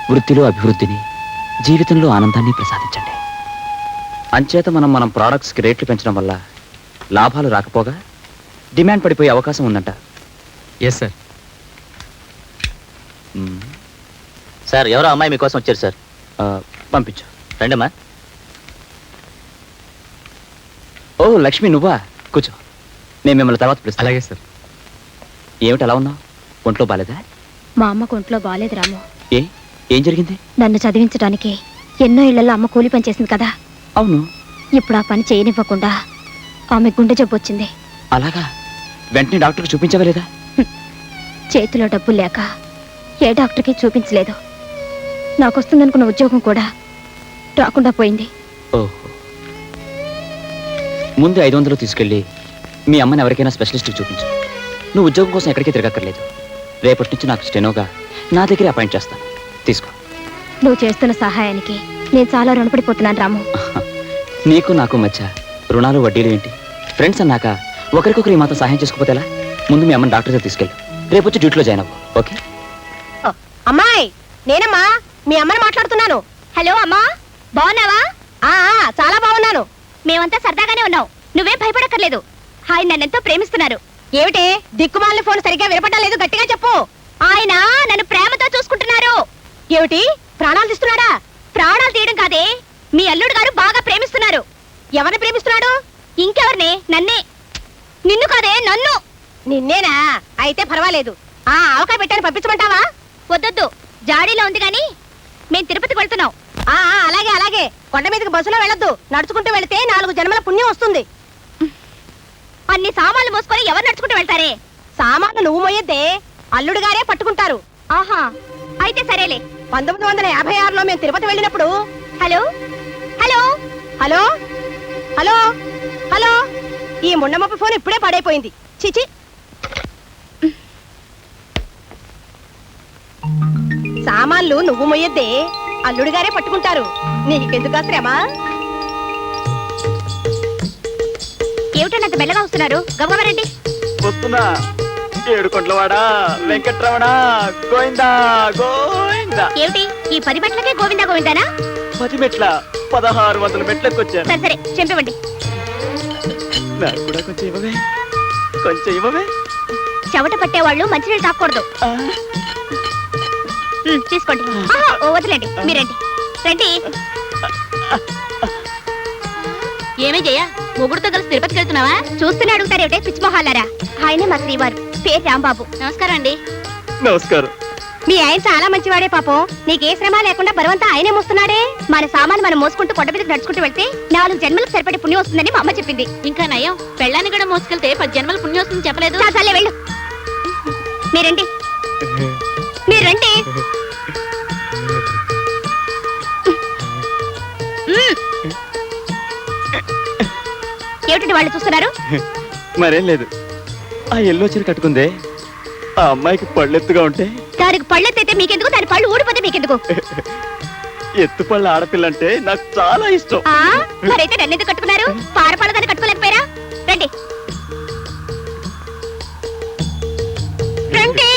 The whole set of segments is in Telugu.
వృత్తిలో అభివృద్ధిని, జీవితంలో ఆనందాన్ని ప్రసాదించండి. అంచేత మనం ప్రోడక్ట్స్కి రేట్లు పెంచడం వల్ల లాభాలు రాకపోగా డిమాండ్ పడిపోయే అవకాశం ఉందంట. Yes sir. సార్ ఎవరో అమ్మాయి మీకోసం వచ్చారు సార్. పంపించు. రండమ్మా. ఓ లక్ష్మి, నువ్వా? కూర్చో, నేను మిమ్మల్ని తర్వాత పిలుస్తాను. అలాగే సార్. ఏమిటి అలా ఉన్నావు? ఒంట్లో బాలేదా? మా అమ్మకు ఒంట్లో బాలేదు రాము. ఏం జరిగింది? నన్ను చదివించడానికి ఎన్నో ఇళ్లలో అమ్మ కూలి పని చేసింది కదా. అవును. ఇప్పుడు ఆ పని చేయనివ్వకుండా ఆమె గుండె జబ్బు వచ్చింది. అలాగా? వెంటనే డాక్టర్కి చూపించవలేదా? చేతిలో డబ్బులు లేక ఏ డాక్టర్కి చూపించలేదు. నాకు వస్తుందనుకున్న ఉద్యోగం కూడా రాకుండా పోయింది. ఓహో. ముందు 500 తీసుకెళ్ళి మీ అమ్మని ఎవరికైనా స్పెషలిస్ట్కి చూపించు. నువ్వు ఉద్యోగం కోసం ఎక్కడికి తిరగక్కర్లేదు. రేపటి నుంచి నాకు స్టెనోగా నా దగ్గరే అపాయింట్ చేస్తాను. తీసుకో. నువ్వు చేస్తున్న సహాయానికి నేను చాలా రుణపడిపోతున్నాను రాము. నీకు నాకు మధ్య రుణాలు వడ్డీలు ఏంటి? ఫ్రెండ్స్ అన్నాక ఒకరికొకరు ఈ మాత్రం సహాయం చేసుకోపోతే ఎలా? ముందు మీ అమ్మని డాక్టర్ దగ్గర తీసుకెళ్ళు. రేపు వచ్చి డ్యూటీలో జాయిన్ అవ్వు. ఓకే? అమ్మాయి, నేనమ్మా మీ అమ్మని మాట్లాడుతున్నాను. హలో అమ్మా, బాగున్నావా? చాలా బాగున్నాను. మేమంతా సరదాగానే ఉన్నాం. నువ్వేం భయపడక్కర్లేదు. ఆయన నన్నెంతో ప్రేమిస్తున్నారు. ఏమిటి దిక్కుమాలిన ఫోన్ సరిగ్గా వినపడడం లేదు? గట్టిగా చెప్పు. ఆయన నన్ను ప్రేమతో చూసుకుంటున్నారు. ఏమిటి ప్రాణాలు తీస్తున్నాడా? ప్రాణాలు తీయడం కాదే, మీ అల్లుడు గారు బాగా ప్రేమిస్తున్నారు. ఎవరిని ప్రేమిస్తున్నాడు? ఇంకెవరిని? నన్నే. నిన్ను కాదే, నన్ను. నిన్నేనా? అయితే పర్వాలేదు. ఆవకాయ పెట్టాను, పంపించమంటావా? వద్దొద్దు, జాడీలో ఉంది గాని మేం తిరుపతికి వెళ్తున్నాం. అలాగే అలాగే. కొండ మీదకి బస్సులో వెళ్ళొద్దు, నడుచుకుంటూ వెళితే 4 జన్మల పుణ్యం వస్తుంది. అన్ని సామాన్లు మోసుకొని ఎవరు నడుచుకుంటూ వెళ్తారే? సామాన్లు నువ్వు మోయొద్దే, అల్లుడు గారే పట్టుకుంటారు. ఆహా, అయితే సరేలే. 1956లో మేము తిరుపతి వెళ్ళినప్పుడు. Hello hello hello hello hello. ఈ ముండమప్ప ఫోన్ ఇప్పుడే పడైపోయింది. చిచి. సామాన్లు నువ్వు మొయ్యొద్దే, అల్లుడు గారే పట్టుకుంటారు. నీకెందుకు శ్రమ? ఏమిటంటే అంత మెల్లగా వస్తున్నారు? గమగమరండి. వస్తున్నా. ఏడుకొండలవాడా వెంకట్రమణ గోవిందా గోవిందా. ఏమిటి ఈ 10 మెట్లకే గోవిందా గోవిందానా? 10 మెట్ల 1600 మెట్లకు వచ్చాను. సరే సరే, చెంపివ్వండి. నాకు కూడా కొంచెం ఇవ్వవే, కొంచెం ఇవ్వవే. చెమట పట్టేవాళ్ళు మంచినీళ్ళు తాకూడదు. తీసుకోండి. వదిలేండి, మీరండి. రండి. ఏమే జయ, మొగుడుతో కలిసి తిరుపతికి వెళ్తున్నావా? చూస్తూనే అడుగుతారేమిటే పిచ్చి మొహాలారా. ఆయనే మా శ్రీవారు, పేరు రాంబాబు. నమస్కారం అండి. నమస్కారం. మీ ఆయన చాలా మంచివాడే పాపం. నీకే శ్రమ లేకుండా బరువంతా ఆయనే మోస్తున్నాడే. మన సామాను మనం మోసుకుంటూ కొండ మీదకి నడుచుకుంటూ వెళ్తే 4 జన్మలకు సరిపడే పుణ్యం వస్తుందని మా అమ్మ చెప్పింది. ఇంకా నయం, పెళ్ళాన్ని కూడా మోసుకెళ్తే 10 జన్మల పుణ్యం వస్తుందని చెప్పలేదు. చాలే వెళ్ళు. మీరండి, మీరండి. ఏమిటండి వాళ్ళు చూస్తున్నారు? మరేం లేదు. ఆ ఎల్లో చీర కట్టుకుందే, ఆ అమ్మాయికి పళ్ళెత్తుగా ఉంటే. దానికి పళ్ళెత్తైతే మీకెందుకు? దాని పళ్ళు ఊడిపోతే మీకెందుకు? ఎత్తుపళ్ళ ఆడపిల్లంటే నాకు చాలా ఇష్టం. మరైతే నన్నెందుకు కట్టుకున్నారు? పారపాల దాన్ని కట్టుకోలేకపోయారా? రండి రండి.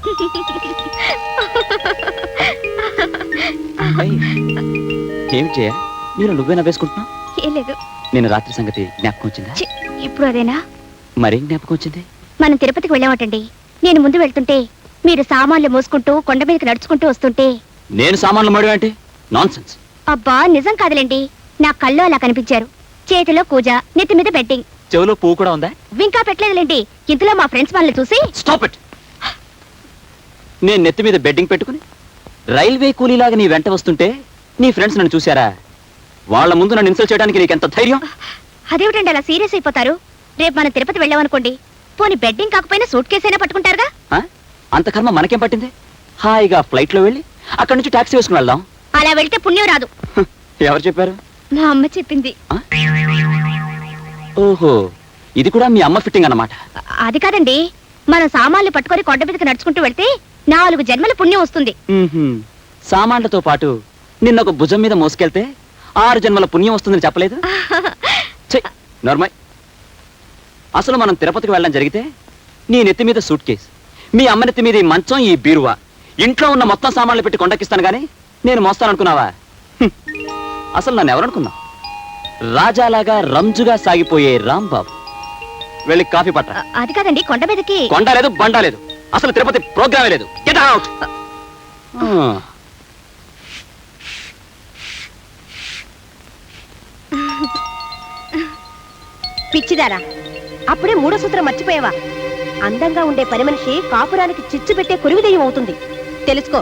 ఏమి చేయ, నేను నువ్వే నవ్వేసుకుంటున్నావు? ఏం లేదు. నేను రాత్రి సంగతి జ్ఞాపకం వచ్చిందా? ఇప్పుడు అదేనా? మరేం జ్ఞాపకం వచ్చింది? మనం తిరుపతికి వెళ్ళామటండి. నేను ముందు వెళ్తుంటే మీరు సామాన్లు మోసుకుంటూ కొండ మీదకి నడుచుకుంటూ వస్తుంటే. నేను సామాన్లు మడి అంటే నాన్సెన్స్. అబ్బా నిజం కాదులేండి, నా కళ్ళు అలా కనిపించారు. చేతిలో కూజ, నెత్తి మీద బెట్టింగ్. చెవులో పువ్వు కూడా ఉందా? ఇంకా పెట్టలేదులేండి. ఇంతలో మా ఫ్రెండ్స్ వాళ్ళని చూసి. Stop it. నేను నెత్తి మీద బెడ్డింగ్ పెట్టుకుని రైల్వే కూలీలాగా నీ వెంట వస్తుంటే నీ ఫ్రెండ్స్ నన్ను చూశారా? వాళ్ళ ముందు నన్ను ఇన్సల్ట్ చేయడానికి నీకెంత ధైర్యం? అదేమిటండి అలా సీరియస్ అయిపోతారు? రేపు మనం తిరుపతి వెళ్ళామనుకోండి, పోనీ బెడ్డింగ్ కాకపోయినా సూట్ కేసు అయినా పట్టుకుంటారుగా. అంత కర్మ మనకేం పట్టింది? హాయిగా ఫ్లైట్ లో వెళ్ళి అక్కడి నుంచి టాక్సీ వేసుకుని వెళ్దాం. అలా వెళ్తే పుణ్యం రాదు. ఎవరు చెప్పారు? మా అమ్మ చెప్పింది. ఓహో, ఇది కూడా మీ అమ్మ ఫిట్టింగ్ అన్నమాట. అది కాదండి, మనం సామాన్లు పట్టుకొని కొండ మీదకి నడుచుకుంటూ వెళ్తే 4 జన్మల పుణ్యం వస్తుంది. సామాన్లతో పాటు నిన్న ఒక భుజం మీద మోసుకెళ్తే 6 జన్మల పుణ్యం వస్తుందని చెప్పలేదు? నార్మల్. అసలు మనం తిరుపతికి వెళ్ళడం జరిగితే నీ నెత్తి మీద సూట్ కేసు, మీ అమ్మ నెత్తి మీద ఈ మంచం, ఈ బీరువా, ఇంట్లో ఉన్న మొత్తం సామాన్లు పెట్టి కొండకిస్తాను గానీ నేను మోస్తాననుకున్నావా హ్మ్. అసలు నన్ను ఎవరనుకున్నావు? రాజాలాగా రంజుగా సాగిపోయే రాంబాబు. వెళ్ళి కాఫీ పట్ట. అది కాదండి, కొండ మీదకి. కొండ లేదు, బండ లేదు. అసలు తిరుపతి ప్రోగ్రామే లేదు. Get out. పిచ్చిదారా, అప్పుడే మూడో సూత్రం మర్చిపోయావా? అందంగా ఉండే పని మనిషి కాపురానికి చిచ్చు పెట్టే కురువి దెయ్యం అవుతుంది. తెలుసుకో.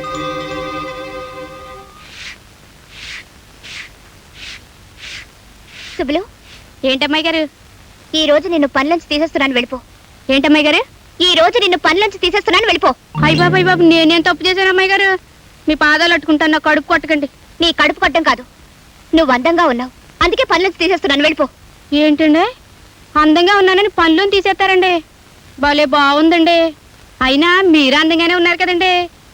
సుబ్బులు, ఏంటమ్మాయి గారు? ఈ రోజు నిన్ను పనిలోంచి తీసేస్తున్నాను, వెళ్ళిపో. ఏంటమ్మాయి గారు? ఈ రోజు నిన్ను పనిలోంచి తీసేస్తున్నాను, వెళ్ళిపో. అయ్య బాబు నేనేం తప్పు చేశాను అమ్మాయి గారు? మీ పాదాలు అట్టుకుంటాను, నా కడుపు కొట్టకండి. నీ కడుపు కొట్టం కాదు, నువ్వు అందంగా ఉన్నావు, అందుకే పనిలోంచి తీసేస్తున్నాను, వెళ్ళిపో. ఏంటండి, అందంగా ఉన్నానని పనులను తీసేస్తారండి? భలే బాగుందండి. అయినా మీరు అందంగానే ఉన్నారు కదండి.